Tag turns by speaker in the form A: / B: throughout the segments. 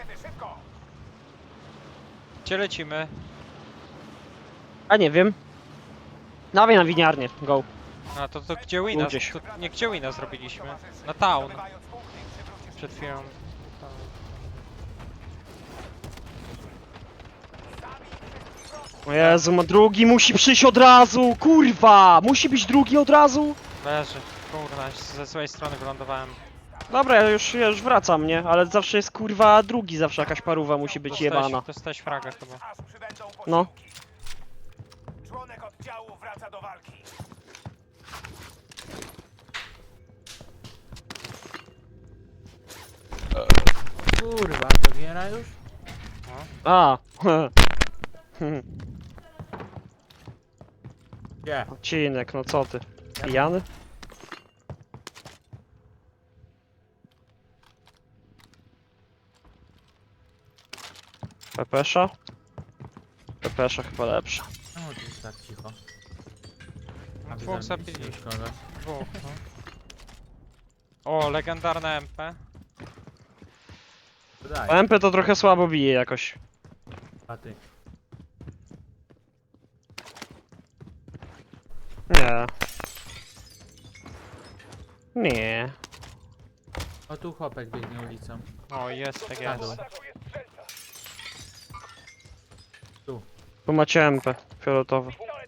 A: Gdzie lecimy?
B: A nie wiem. Dawaj na winiarnię, go.
A: A to gdzie Wina?
B: Gdzieś.
A: To nie gdzie Wina zrobiliśmy? Na town. Przed chwilą.
B: O Jezu, ma drugi musi przyjść od razu, kurwa! Musi być drugi od razu?
A: Leży. Kurna, ze złej strony wylądowałem.
B: Dobra, ja już wracam, nie? Ale zawsze jest kurwa drugi, zawsze jakaś paruwa musi być jebana.
A: Dostałeś fraga chyba.
B: No.
C: Członek oddziału wraca do walki.
D: Kurwa, to giera już?
B: A.
D: Gdzie?
B: Odcinek, no co ty? Pijany? Pepesza? Pepesza chyba lepsza.
D: Czemu to jest tak cicho? A wy
A: Dwóch
D: zabiliście
A: zabili.
D: już kogoś?
A: Dwóch, no. O, legendarna MP.
D: Daj,
B: MP to trochę słabo bije jakoś.
D: a ty.
B: Nie. Nie.
D: O, tu chłopek biegnie ulicą.
A: O, jest, tak
D: Na dół.
A: jest.
B: Tu macie MP fioletowe.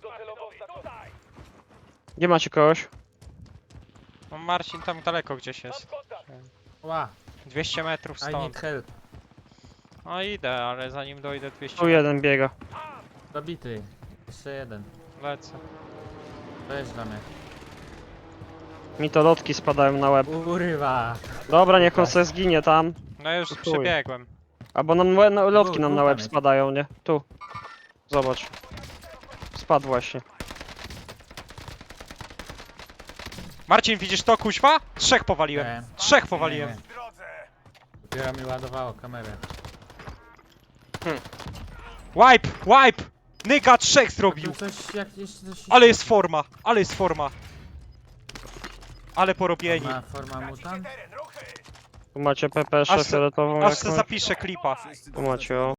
B: Gdzie macie kogoś?
A: No Marcin tam daleko gdzieś jest.
D: Ła,
A: 200 metrów
D: I need
A: stąd.
D: help.
A: No idę, ale zanim dojdę 200
B: Tu jeden biega.
D: Zabity. Jeszcze jeden.
A: lecę.
D: To jest dla mnie.
B: Mi to lotki spadają na łeb.
D: Kurwa.
B: Dobra, niech on se zginie tam.
A: No już
B: To chuj.
A: przebiegłem.
B: Albo nam lotki nam na łeb
D: tam jest.
B: spadają, nie? Tu. Zobacz. Spadł właśnie.
A: Marcin, widzisz to, kuźwa? Trzech powaliłem.
D: Nie.
A: Trzech powaliłem.
D: Nie, nie. Dopiero mi ładowało kamerę.
A: Wipe! Wipe! Nyga trzech
D: Tu
A: zrobił!
D: coś, jak jeszcze coś...
A: Ale jest forma! Ale jest forma! Ale porobieni.
D: Ma forma mutant?
B: Tu macie pepeszę
A: Aż se-
B: fioletową
A: Aż se
B: jakąś.
A: zapiszę klipa.
B: Tu macie, o.